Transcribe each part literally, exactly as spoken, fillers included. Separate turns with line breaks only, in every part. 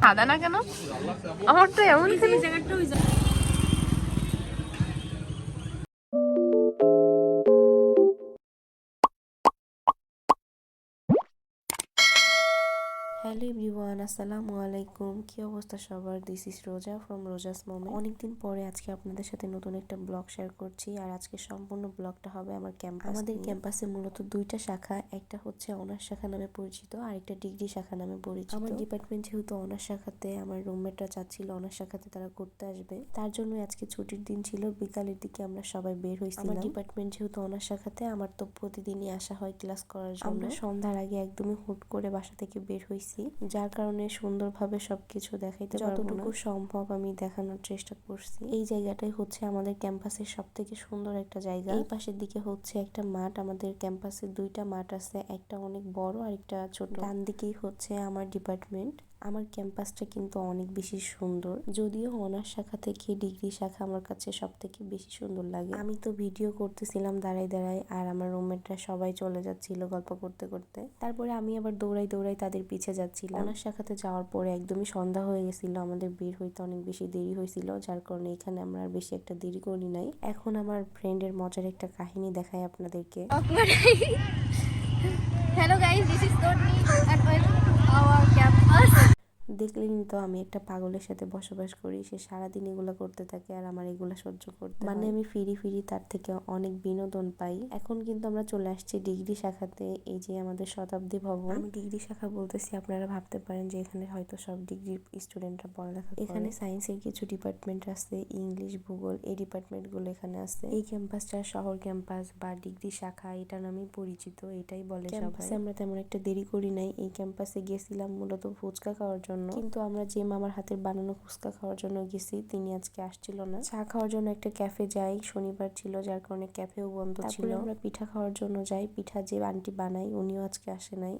সাদা না কেন? আমার তো এমন জায়গাটা ওই
হ্যালো এভরিওয়ান, আসসালামু আলাইকুম। কি অবস্থা সবার? This is Roza from Roza's moment. অনেকদিন পরে আজকে আপনাদের সাথে নতুন একটা ব্লগ শেয়ার করছি। আর আজকে সম্পূর্ণ ব্লগটা হবে আমার ক্যাম্পাস। আমাদের ক্যাম্পাসে মূলত দুইটা শাখা, একটা হচ্ছে অনার্স শাখা নামে পরিচিত আর একটা ডিগ্রি শাখা নামে পরিচিত। আমার ডিপার্টমেন্ট যেহেতু অনার্স শাখাতে, আমার রুমমেটরা চাচ্ছিল অনার্স শাখাতে তারা করতে আসবে, তার জন্য আজকে ছুটির দিন ছিল। বিকালের দিকে আমরা সবাই বের হয়েছিলাম। আমার ডিপার্টমেন্ট যেহেতু অনার্স শাখাতে, আমার তো প্রতিদিনই আসা হয় ক্লাস করার জন্য। আমরা সন্ধ্যার আগে একদমই হুট করে বাসা থেকে বের হয়েছি, যার কারণে সুন্দরভাবে সবকিছু দেখাইতে পারবো না। যতটুকু সম্ভব আমি দেখানোর চেষ্টা করছি। এই জায়গাটাই হচ্ছে আমাদের ক্যাম্পাসের সব থেকে সুন্দর একটা জায়গা। এই পাশের দিকে হচ্ছে একটা মাঠ। আমাদের ক্যাম্পাসে দুইটা মাঠ আছে, একটা অনেক বড় আর একটা ছোট। ডান দিকেই হচ্ছে আমার ডিপার্টমেন্ট। আমার ক্যাম্পাসটা কিন্তু অনেক বেশি সুন্দর, যদিও অনার্স শাখা থেকে ডিগ্রি শাখা আমার কাছে সব থেকে বেশি সুন্দর লাগে। আমি তো ভিডিও করতেছিলাম দাঁড়াই দাঁড়াই, আর আমার রুমমেটরা সবাই চলে যাচ্ছিল গল্প করতে করতে। তারপরে আমি আবার দৌড়াই দৌড়াই তাদের পিছে যাচ্ছিলাম। অনার্স শাখাতে যাওয়ার পরে একদমই সন্ধ্যা হয়ে গেছিল, আমাদের বের হইতে অনেক বেশি দেরি হয়েছিল, যার কারণে এখানে আমরা আর বেশি একটা দেরি করি নাই। এখন আমার ফ্রেন্ডের মজার একটা কাহিনী দেখাই আপনাদেরকে।
Hello guys, this is Tonni and welcome to our campus.
দেখলেনি তো আমি একটা পাগলের সাথে বসবাস করি, সে সারাদিন এগুলো করতে থাকে আর আমার এগুলা সহ্য করতে মানে আমি ফিরি ফিরি তার থেকে অনেক বিনোদন পাই। এখন কিন্তু আমরা চলে আসছি ডিগ্রি শাখাতে। এই যে আমাদের শতাব্দী ভবন। আমি ডিগ্রি শাখা বলতেছি, আপনারা ভাবতে পারেন যে এখানে হয়তো সব ডিগ্রি স্টুডেন্টরা পড়ালেখা করে। এখানে সায়েন্সের কিছু ডিপার্টমেন্ট আছে, ইংলিশ, ভূগোল, এই ডিপার্টমেন্ট গুলো এখানে আছে। এই ক্যাম্পাসটা শহর ক্যাম্পাস বা ডিগ্রি শাখা এটা নামেই পরিচিত, এটাই বলে সবাই। আমরা তেমন একটা দেরি করি নাই, এই ক্যাম্পাসে গেছিলাম মূলত ফুচকা খাওয়ার জন্য। কিন্তু আমরা যে মামার হাতের বানানো ফুচকা খাওয়ার জন্য গেছি, তিনি আজকে আসছিল না। চা খাওয়ার জন্য একটা ক্যাফে যাই, শনিবার ছিল যার কারণে ক্যাফেও বন্ধ ছিল। আমরা পিঠা খাওয়ার জন্য যাই, পিঠা যে আন্টি বানাই উনিও আজকে আসে নাই।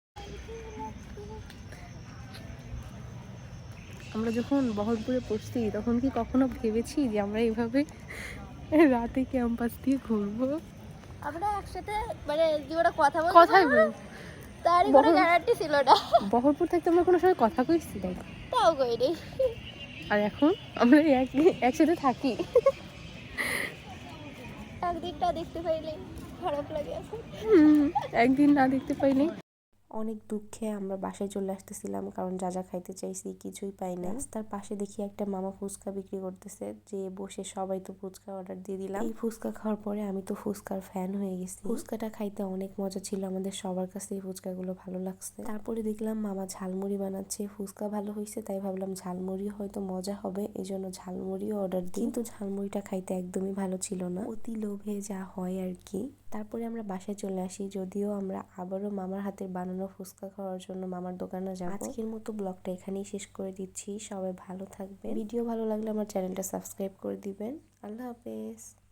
আমরা যখন বহরমপুরে পড়ছি তখন কি কখনো ভেবেছি যে আমরা এইভাবে রাতে ক্যাম্পাস দিয়ে ঘুরবো?
আমরা একসাথে মানে জীবনে কথা বলতে
কথাই বল,
তারই কোনো গ্যারান্টি ছিল না।
বহরমপুর থাকতে আমরা কোনো সময় কথা কইছি তাই,
তাও কইনি।
আর এখন আমরা এক একসাথে থাকি।
একদিনটা দেখতে পাইলে খারাপ লাগে এখন।
একদিন না দেখতে পাইনি।
অনেক দুঃখে আমরা বাসায় চলে আসতেছিলাম, কারণ যা যা খাইতে চাইছি কিছুই পাই না। তার পাশে দেখি একটা মামা ফুচকা বিক্রি করতেছে, যে বসে সবাই তো ফুচকা অর্ডার দিয়ে দিলাম। এই ফুচকা খাওয়ার পরে আমি তো ফুচকার ফ্যান হয়ে গেছি। ফুচকাটা খাইতে অনেক মজা ছিল, আমাদের সবার কাছে এই ফুচকাগুলো ভালো লাগছে। তারপরে দেখলাম মামা ঝালমুড়ি বানাচ্ছে, ফুচকা ভালো হয়েছে তাই ভাবলাম ঝালমুড়ি হয়তো মজা হবে, এই জন্য ঝালমুড়িও অর্ডার দিই। কিন্তু ঝালমুড়িটা খাইতে একদমই ভালো ছিল না, অতি লোভে যা হয় আর কি। তারপরে আমরা বাসায় চলে আসি, যদিও আমরা আবারও মামার হাতের বানানো ফুচকা খাওয়ার জন্য মামার দোকানে যাব। আজকের মতো ব্লগটা এখানেই শেষ করে দিচ্ছি, সবাই ভালো থাকবেন। ভিডিও ভালো লাগলে আমার চ্যানেলটা সাবস্ক্রাইব করে দিবেন। আল্লাহ হাফেজ।